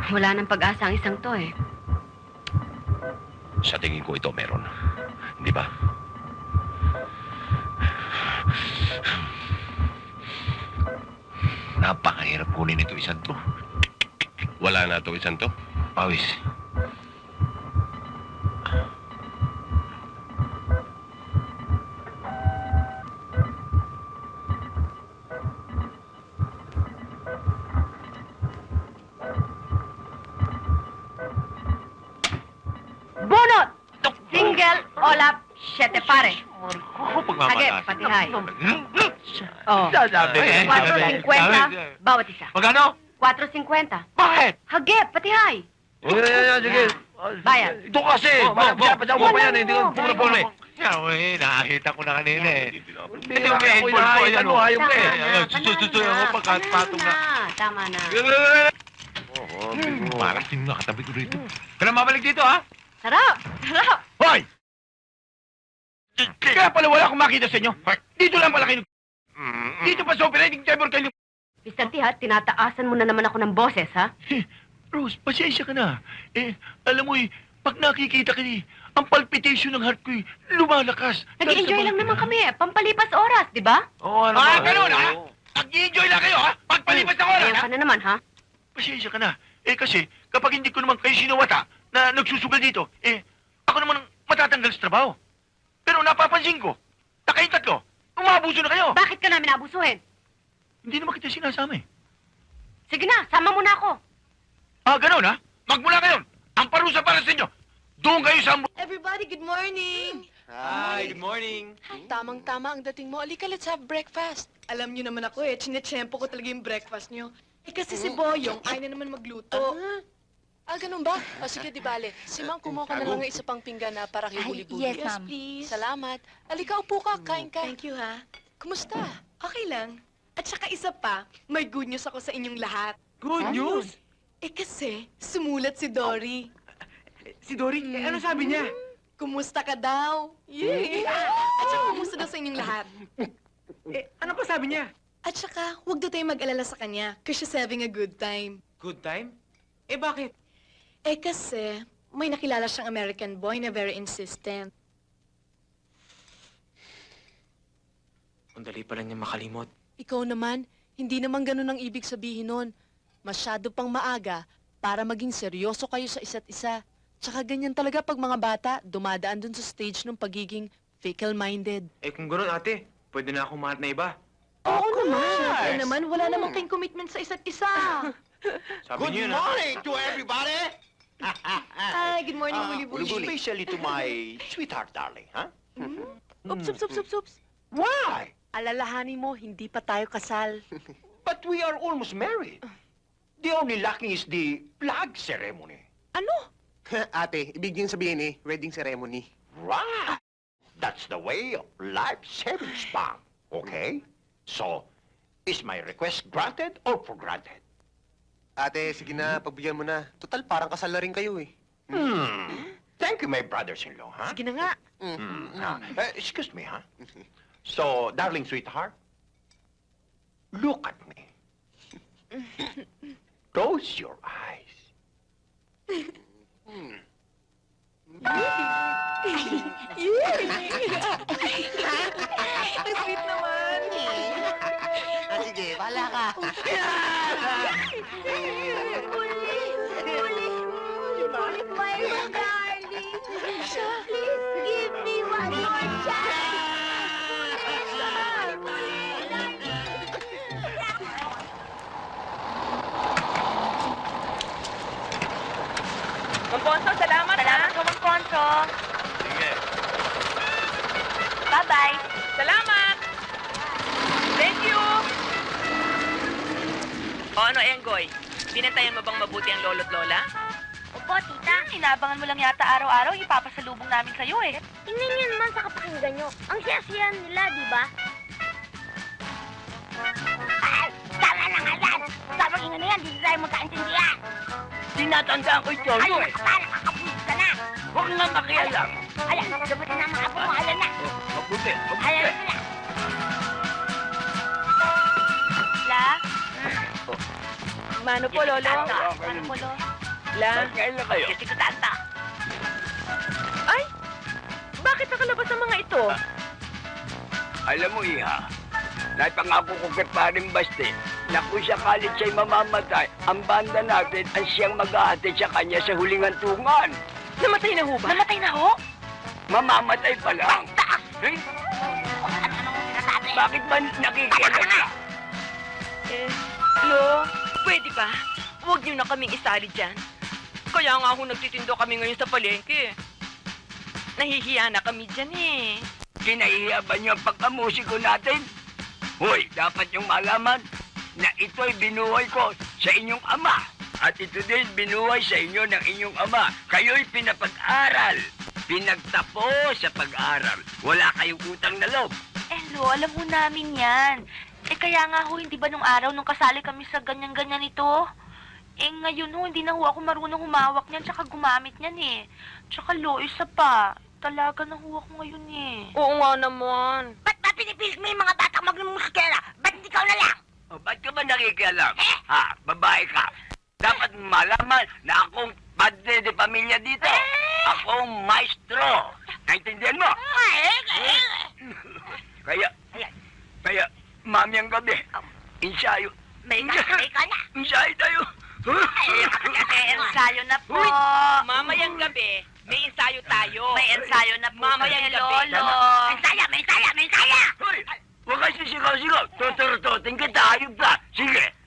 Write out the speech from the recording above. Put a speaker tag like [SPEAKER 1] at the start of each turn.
[SPEAKER 1] Wala nang pag-asa ang isang to eh.
[SPEAKER 2] Sa tingin ko ito meron. Hindi ba? Napakahirap kunin ito isang to. Wala na ito isang to. Pawis.
[SPEAKER 1] Bunot! Single, olap, siyete pare. Hage, patihay. Oh. 4.50 bawat isa.
[SPEAKER 3] Magkano?
[SPEAKER 1] 4.50.
[SPEAKER 3] Bakit?
[SPEAKER 1] Hage, patihay.
[SPEAKER 3] Sige.
[SPEAKER 1] Bayad.
[SPEAKER 3] Ito kasi. Dapat mo pa yan. Hindi ko
[SPEAKER 1] Wala
[SPEAKER 3] puro
[SPEAKER 1] mo.
[SPEAKER 3] eh. Nakakita ko na kanina eh.
[SPEAKER 2] Hindi
[SPEAKER 3] Ito may headphone ko. Ayan o.
[SPEAKER 1] Tama na,
[SPEAKER 3] Susutoy ako pagkatpatong na.
[SPEAKER 1] Tama na.
[SPEAKER 3] Parang sino nakatabi ko rito. Kailan mabalik dito ha?
[SPEAKER 1] Sarap! Sarap!
[SPEAKER 3] Hoy! Kaya pala wala akong makita sa inyo. Dito lang pala kayo. Dito pa sa operating table kayo.
[SPEAKER 1] Mr. T, ha? Tinataasan mo na naman ako ng boses, ha?
[SPEAKER 3] Rose, pasensya ka na. Alam mo pag nakikita ka ang palpitation ng heart ko lumalakas.
[SPEAKER 1] Nag-enjoy lang naman kami, eh. Pampalipas oras, di ba?
[SPEAKER 3] Oo, ganun ha? Nag-enjoy lang kayo ha? Pagpalipas ng oras
[SPEAKER 1] Ayaw
[SPEAKER 3] ha?
[SPEAKER 1] ka na naman, ha?
[SPEAKER 3] Pasensya ka na. Kasi kapag hindi ko naman kayo sinawata na nagsusugal dito, ako naman ang matatanggal sa trabaho. Pero napapansin ko, nakaitat ko, umabuso na kayo.
[SPEAKER 1] Bakit ka namin abusuhin?
[SPEAKER 3] Hindi naman kita sinasama eh.
[SPEAKER 1] Sige na, sama mo na ako.
[SPEAKER 3] Ganun ha? Magmula ngayon, ang parusa para sa inyo. Doon kayo sa...
[SPEAKER 4] Everybody, good morning!
[SPEAKER 5] Hi, good morning.
[SPEAKER 4] Tamang-tama ang dating mo. Alika, let's have breakfast. Alam niyo naman ako chinechempo ko talaga yung breakfast niyo. Kasi si Boyong ay na naman magluto. Ganun ba? Sige, di bale. Si Mang, kumuha ka na lang ng isa pang pinggan na para kay Huli-Buli.
[SPEAKER 6] yes, ma'am.
[SPEAKER 4] please. Salamat. Alika, upo ka, kain ka.
[SPEAKER 6] Thank you, ha?
[SPEAKER 4] Kumusta?
[SPEAKER 6] Okay lang. At saka isa pa, may good news ako sa inyong lahat.
[SPEAKER 3] Good news?
[SPEAKER 6] Kasi, sumulat si Dory.
[SPEAKER 3] Si Dory, ano sabi niya?
[SPEAKER 6] Kumusta ka daw? Yay! At saka, kumusta daw sa inyong lahat?
[SPEAKER 3] Ano pa sabi niya?
[SPEAKER 6] At saka, huwag daw tayong mag-alala sa kanya, because she's having a good time.
[SPEAKER 5] Good time? Bakit?
[SPEAKER 6] Kasi, may nakilala siyang American boy na very insistent.
[SPEAKER 5] Ang dali pala niya makalimot.
[SPEAKER 4] Ikaw naman, hindi naman ganun ang ibig sabihin nun. Masyado pang maaga para maging seryoso kayo sa isa't isa. Tsaka ganyan talaga pag mga bata dumadaan dun sa stage ng pagiging fickle-minded.
[SPEAKER 5] Kung gano'n ate, pwede na akong mahat na iba.
[SPEAKER 4] Oo naman.
[SPEAKER 6] Siyempre naman, wala namang kayong commitment sa isa't isa.
[SPEAKER 5] Sabi niyo yun
[SPEAKER 7] morning to everybody!
[SPEAKER 6] Ay, good morning, Huli-Buli.
[SPEAKER 7] Especially to my sweetheart darling, huh?
[SPEAKER 4] Oops, oops, oops, oops, oops.
[SPEAKER 7] Why?
[SPEAKER 4] Alalahanin mo, hindi pa tayo kasal.
[SPEAKER 7] But we are almost married. The only lacking is the flag ceremony.
[SPEAKER 4] Ano?
[SPEAKER 8] Ate, ibig din sabihin wedding ceremony.
[SPEAKER 7] Right. That's the way of life savings bank. Okay? So, is my request granted or for granted?
[SPEAKER 8] Ate, sige na, pagbigyan mo na. Total, parang kasal na rin kayo
[SPEAKER 7] Thank you, my brothers-in-law, huh?
[SPEAKER 4] Sige na nga.
[SPEAKER 7] Excuse me, huh? So, darling sweetheart, look at me. Close your eyes.
[SPEAKER 6] Ang sweet naman.
[SPEAKER 8] Sige, bahala ka.
[SPEAKER 1] Mangkonso, salamat,
[SPEAKER 6] Salamat ka, Mangkonso.
[SPEAKER 3] Sige.
[SPEAKER 6] Bye-bye.
[SPEAKER 1] Salamat! Thank you! O ano, Enggoy? Binantayan mo bang mabuti ang lolo't lola?
[SPEAKER 6] Opo, tita. Inabangan mo lang yata araw-araw, ipapasalubong namin sa'yo eh.
[SPEAKER 9] Tingnan niyo naman sa kapakinggan nyo. Ang siya-siya nila, di ba? Ay, tama na nga yan! Sa pakinggan na yan, di tayo magkaintindihan.
[SPEAKER 3] Tinatandaan ko ito,
[SPEAKER 9] Ay, para kakapulis ka na.
[SPEAKER 3] Huwag na makialam.
[SPEAKER 9] Ayan, dumating na mga apo mo, alam na.
[SPEAKER 3] Mabuti,
[SPEAKER 9] Alam na.
[SPEAKER 4] La? Mano po, Lolo? Mano po, Lolo?
[SPEAKER 1] Carla.
[SPEAKER 7] Ngayon na kayo.
[SPEAKER 9] Kasi ko tata.
[SPEAKER 1] Ay! Bakit nakalabas ang mga ito?
[SPEAKER 7] Alam mo, Iha, napangako ko kay Paring Basti na kung sakalit siya'y mamamatay, ang banda natin ang siyang mag-ahatid sa kanya sa huling hantungan.
[SPEAKER 1] Namatay na ho ba?
[SPEAKER 9] Namatay na ho?
[SPEAKER 7] Mamamatay pa lang. Eh,
[SPEAKER 9] Ano mo sinasabi?
[SPEAKER 7] bakit ba nakikialam ka?
[SPEAKER 1] Lo, pwede ba? Huwag niyo na kaming isali dyan. Kaya nga ho nagtitindo kami ngayon sa palengke. Nahihiya na kami dyan eh.
[SPEAKER 7] Kinahiya ba niyo ang pagkamusiko natin? Hoy, dapat niyong malaman na ito'y binuhay ko sa inyong ama. At ito din binuhay sa inyo ng inyong ama. Kayo'y pinapag-aral. Pinagtapos sa pag-aral. Wala kayong utang na loob.
[SPEAKER 9] Lo, alam ho namin yan. Kaya nga ho, hindi ba nung araw nung kasali kami sa ganyan-ganyan ito? Ngayon ho, hindi na ho ako marunong humawak niyan tsaka gumamit niyan eh. Tsaka lo, isa pa. Talaga na ho ako ngayon eh.
[SPEAKER 1] Oo nga naman.
[SPEAKER 9] Ba't ba pinipilit mo yung mga batang magmusikera? Ba't hindi ikaw na lang?
[SPEAKER 7] O, ba't ka ba nakikialam? Ha, babae ka. Dapat malaman na akong padre de pamilya dito. Akong maestro. Naintindihan mo? Kaya, mami ang gabi. Ensayo.
[SPEAKER 9] May ka na.
[SPEAKER 7] Ensayo tayo.
[SPEAKER 9] Ensayo na po.
[SPEAKER 1] Mamayang gabi, may ensayo tayo.
[SPEAKER 9] May ensayo na po.
[SPEAKER 1] Mamayang
[SPEAKER 9] kami,
[SPEAKER 1] gabi.
[SPEAKER 9] Lolo. May saya.
[SPEAKER 7] Hoy, huwag kayo sisigaw-sigaw. Tuturututin kita, ayun pa. Sige,